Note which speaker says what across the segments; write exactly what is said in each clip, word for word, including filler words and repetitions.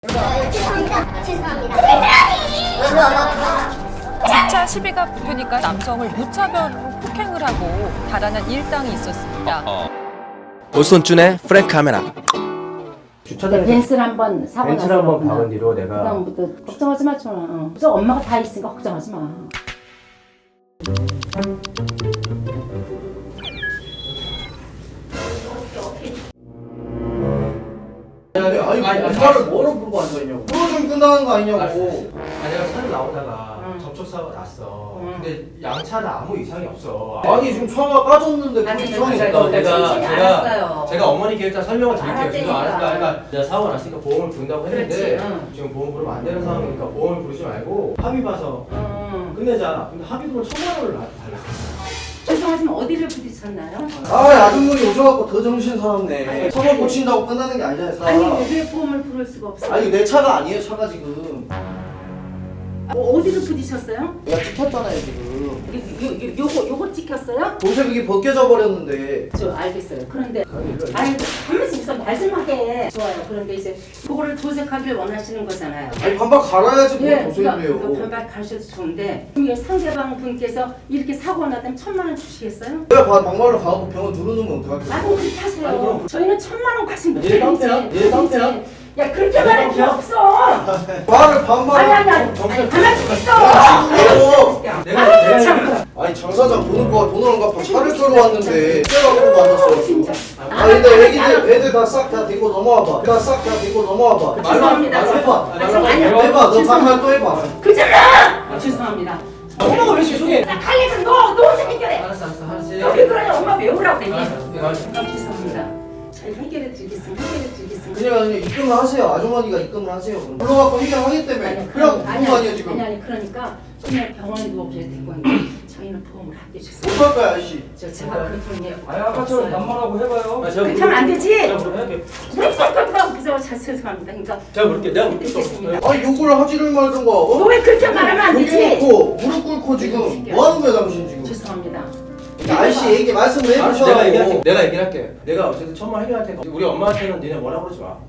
Speaker 1: 죄송합니다. 죄송합니다.
Speaker 2: 진짜 시비가 붙으니까 남성을 무차별로 폭행을 하고 달아난 일당이 있었습니다.
Speaker 3: 오손준의 프랭크 카메라.
Speaker 4: 주차장에서
Speaker 5: 벤츠를 한번 사고
Speaker 4: 벤츠를 한번 박은 뒤로 내가
Speaker 5: 그다음부터 걱정하지 마, 전화. 어. 저 엄마가 다 있으니까 걱정하지 마.
Speaker 6: 아니, 아니, 아니, 아니, 차를 뭐로 끌고 앉아있냐고. 그러좀 끝나는 거 아니냐고.
Speaker 4: 아니 내가 차를 나오다가
Speaker 5: 응.
Speaker 4: 접촉사고가 났어.
Speaker 5: 응.
Speaker 4: 근데 양차는 아무 이상이 없어.
Speaker 6: 아니, 지금 차가 까졌는데
Speaker 5: 아니,
Speaker 6: 그 이상이
Speaker 4: 제가
Speaker 6: 없다고.
Speaker 4: 내가
Speaker 5: 알았어요.
Speaker 4: 제가 제가 어머니께 일단 설명을 드릴게요. 지금
Speaker 5: 알았다니까.
Speaker 4: 알았다. 그러니까 내가 사고가 났으니까 보험을 부른다고 했는데
Speaker 5: 그렇지, 응.
Speaker 4: 지금 보험 부르면 안 되는 상황이니까 보험을 부르지 말고 합의 봐서
Speaker 5: 음.
Speaker 4: 끝내자. 근데 합의금을 천만 원을 달라.
Speaker 5: 죄송하지만 어디를 부딪혔나요?
Speaker 6: 아, 아줌분이 오셔갖고 더 정신 사납네. 차만 고친다고 끝나는 게 아니잖아요, 차.
Speaker 5: 아니 왜 보험을 부를 수가 없어요?
Speaker 6: 아니, 내 차가 아니에요, 차가 지금.
Speaker 5: 뭐 어디를 부딪혔어요?
Speaker 6: 내가 찍혔잖아요, 지금.
Speaker 5: 요, 요, 요, 요거 요거 찍혔어요?
Speaker 6: 도대체 그게 벗겨져 버렸는데.
Speaker 5: 저 알겠어요. 그런데 아니 한번씩 있어 말씀하게 좋아요. 그런데 이제 그거를 도색하길 원하시는 거잖아요.
Speaker 6: 아니, 반박 갈아야지 뭘
Speaker 5: 예,
Speaker 6: 도색을
Speaker 5: 그러니까
Speaker 6: 해요.
Speaker 5: 반발 가셔도 좋은데 그럼 상대방 분께서 이렇게 사고가 났다면 천만 원 주시겠어요?
Speaker 6: 내가 바- 막말로 가고 병원 누르는 건 어떡할게.
Speaker 5: 아, 그럼 그렇게 하세요.
Speaker 4: 아니, 그럼-
Speaker 5: 저희는 천만 원까지 못
Speaker 4: 얘 깡패야? 얘 깡패야?
Speaker 5: 야, 그렇게 말할 필요 없어.
Speaker 6: 말을 반말.
Speaker 5: 아니, 아니, 아니. 아니, 가만히 좀 있어.
Speaker 6: 아니요.
Speaker 4: 내가
Speaker 5: 아유,
Speaker 4: 내가
Speaker 5: 참.
Speaker 6: 아니, 장사장 돈을 봐, 돈을 안 갚아 차를 끌고 왔는데. 내가 그러고 만났어.
Speaker 5: 진짜.
Speaker 6: 아, 근데 애기들, 애들 다 싹 다 데리고 넘어와봐. 다 싹 다 데리고 넘어와봐.
Speaker 5: 죄송합니다.
Speaker 6: 말로 해봐.
Speaker 5: 아, 저- 아니요.
Speaker 6: 해봐. 너
Speaker 5: 죄송합니다.
Speaker 6: 반말 또 해봐.
Speaker 5: 그잖아. 죄송합니다.
Speaker 4: 엄마가 왜 죄송해?
Speaker 5: 나 칼리면 너, 너 어떻게 해결해?
Speaker 4: 알았어 알았어 알았어.
Speaker 5: 여기 그러냐, 엄마 왜 오라고 그랬니?
Speaker 4: 알았어, 알았어.
Speaker 5: 아, 죄송합니다. 잘 해결해 드리겠습니다. 해결해 드리겠습니다.
Speaker 6: 그냥 그냥 입금을 하세요. 아주머니가 입금을 하세요. 그럼. 불러갖고 해결하기 때문에. 그냥
Speaker 5: 아니,
Speaker 6: 무슨 아니에요 지금.
Speaker 5: 아니, 아니, 그러니까 그냥 병원에 누워보셔도 되고 있는데 저희는 보험을 안 해주세요.
Speaker 6: 어떡할 거야 아저씨.
Speaker 5: 저 제가 그 돈이
Speaker 7: 아니 아까처럼 반말하고 해봐요.
Speaker 4: 아, 제가
Speaker 5: 그렇게 하면 안 되지.
Speaker 4: 제가 부를게.
Speaker 5: 그래서 잘 죄송합니다. 그러니까
Speaker 4: 제가 부를게. 내가 부를게.
Speaker 5: 드리겠습니다.
Speaker 6: 아니 욕을 하지를 말든가. 어?
Speaker 5: 너 왜 그렇게 말하면 안
Speaker 6: 여기
Speaker 5: 되지?
Speaker 6: 놓고 무릎 꿇고 지금 뭐 하는 거야 당신 지금.
Speaker 5: 죄송합니다.
Speaker 6: 아저씨 얘기 말씀을
Speaker 4: 알았어,
Speaker 6: 해보셔.
Speaker 4: 내가 얘기할게. 내가 얘기를 할게. 내가 어쨌든 천만 해결할 테니까 우리 엄마한테는 니네 뭐라 그러지 마.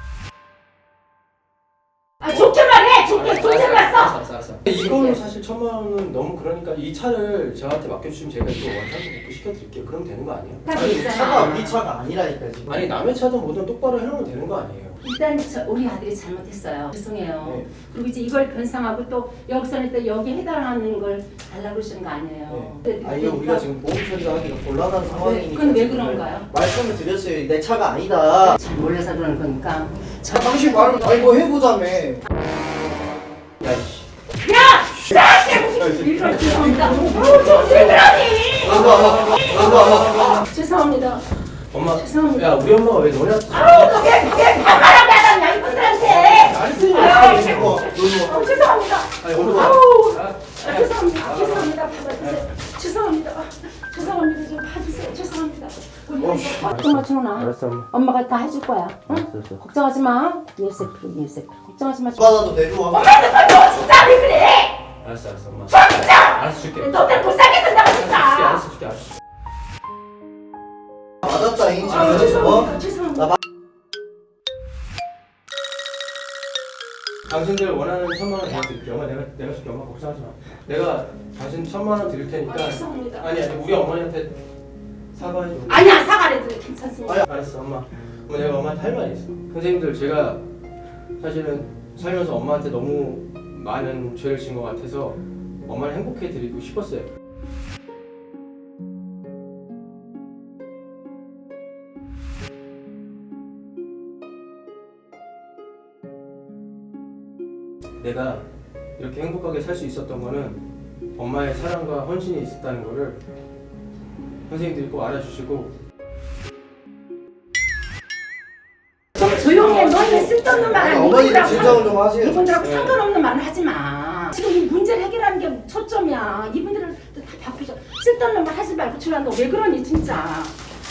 Speaker 5: 아 좋게 말해. 좋게 좋게
Speaker 4: 알았어,
Speaker 5: 말했어.
Speaker 4: 알았어, 알았어. 이걸로 사실 천만 원은 너무 그러니까 이 차를 저한테 맡겨주시면 제가 이거 원상도 복구 시켜드릴게요. 그럼 되는 거 아니에요?
Speaker 6: 아니 우리 차가 우리 차가 아니라니까 지금.
Speaker 4: 아니 남의 차든 뭐든 똑바로 해놓으면 되는 거 아니에요?
Speaker 5: 일단 저, 우리 아들이 잘못했어요. 죄송해요.
Speaker 6: 네.
Speaker 5: 그리고 이제 이걸 변상하고 또 여기서는 또 여기 해당하는 걸 달라고 그러시는 거 아니에요.
Speaker 6: 네. 아니요 우리가 지금 보험 처리가 하기가 곤란한 상황이니까.
Speaker 5: 그건 왜
Speaker 6: 지금
Speaker 5: 그런가요?
Speaker 6: 말씀을 드렸어요. 내 차가 아니다.
Speaker 5: 잘 몰라서 그러는 거니까.
Speaker 6: 아, 당신 말을 아니 뭐 해보자며.
Speaker 4: 야이씨.
Speaker 5: 이걸 죄송합니다. 어우 저왜 그러니? 죄송합니다.
Speaker 4: 엄마.
Speaker 5: 죄송합니다.
Speaker 4: 야 우리 엄마가 왜 너냐?
Speaker 5: 아우 그게 그게 반말하게 하다냐 이분들한테.
Speaker 6: 아니
Speaker 5: 아유,
Speaker 6: 이거
Speaker 5: 아우, 죄송합니다.
Speaker 6: 아니 오늘
Speaker 5: 아우 아, 죄송합니다. 죄송합니다. 받아주세요. 죄송합니다. 죄송합니다. 좀 봐주세요. 죄송합니다. 걱정하지 마.
Speaker 4: 알았어 엄마.
Speaker 5: 엄마가 다 해줄 거야. 응?
Speaker 4: 알았어.
Speaker 5: 걱정하지 마. 일세 프로 일세 프로. 걱정하지 마.
Speaker 6: 받아도 내려와.
Speaker 5: 너 진짜 왜 그래?
Speaker 4: 알았어 알았어 엄마. 알았어 줄게.
Speaker 5: 너 때문에 못 살게 된다고
Speaker 4: 줄게
Speaker 5: 진짜.
Speaker 4: 알았어 줄게 알았어.
Speaker 6: 맞았다잉
Speaker 5: 아
Speaker 6: 지금. 어?
Speaker 5: 죄송합니다. 죄송합니다.
Speaker 4: 당신들 원하는 천만 원 내가 드릴게. 엄마 내가 내가 줄게. 엄마 걱정하지 마. 내가 당신 천만 원 드릴 테니까.
Speaker 5: 아, 죄송합니다.
Speaker 4: 아니 아니 우리 어머니한테 사과해 줘.
Speaker 5: 아니야 사과해도 괜찮습니다.
Speaker 4: 아니, 알았어 엄마. 엄마 내가 엄마한테 할 말이 있어. 선생님들 제가 사실은 살면서 엄마한테 너무 많은 죄를 진 것 같아서 엄마를 행복해 드리고 싶었어요. 내가 이렇게 행복하게 살 수 있었던 거는 엄마의 사랑과 헌신이 있었다는 거를 선생님들이 꼭 알아주시고
Speaker 5: 조용히 해. 너희는 쓸데없는 말을
Speaker 6: 아니 어머니들 진정을 좀 하세요.
Speaker 5: 이분들하고
Speaker 4: 네.
Speaker 5: 상관없는 말을 하지 마. 지금 이 문제를 해결하는 게 초점이야. 이분들은 다 바쁘죠. 쓸데없는 말 하지 말고 주라. 너 왜 그러니 진짜.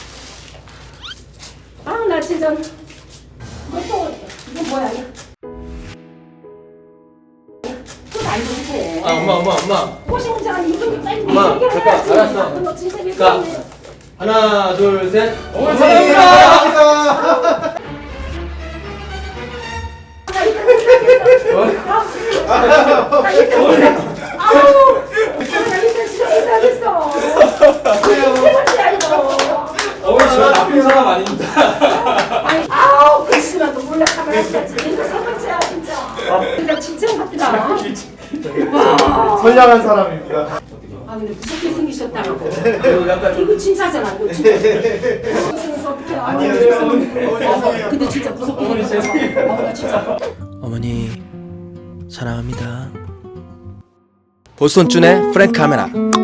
Speaker 5: 아우 나 진짜. 너또 이거 뭐야? 이거. 또 날도 해.
Speaker 4: 아 엄마 엄마 엄마
Speaker 5: 호시 문제가 이분들 빨리
Speaker 4: 엄마,
Speaker 5: 해결해야지.
Speaker 4: 됐다, 알았어.
Speaker 5: 너 진짜 왜
Speaker 4: 자.
Speaker 5: 그러니?
Speaker 4: 하나 둘 셋.
Speaker 6: 어머니 사랑합니다.
Speaker 5: 나 이거 아우, 나 이제 진짜 이상했어. 세 번째야 이거.
Speaker 1: 어머니 저 나쁜 사람 아닙니다.
Speaker 5: 아니, 아우, 글씨만 또 몰래 카메라 켜지. 이거 세 번째야 진짜. 그러니까 진짜 같다. 와.
Speaker 6: 선량한 사람입니다.
Speaker 5: 아 근데 무섭게 생기셨다고.
Speaker 4: 그리고 약간 좀
Speaker 5: 이거 진짜잖아. 이거 진짜. 무서워서 어떡해. 아니에요. 죄송해요. 근데 진짜 무섭게 생겼어. 어, 나 진짜.
Speaker 3: 어머니 사랑합니다. 보손준의 프랭크 카메라.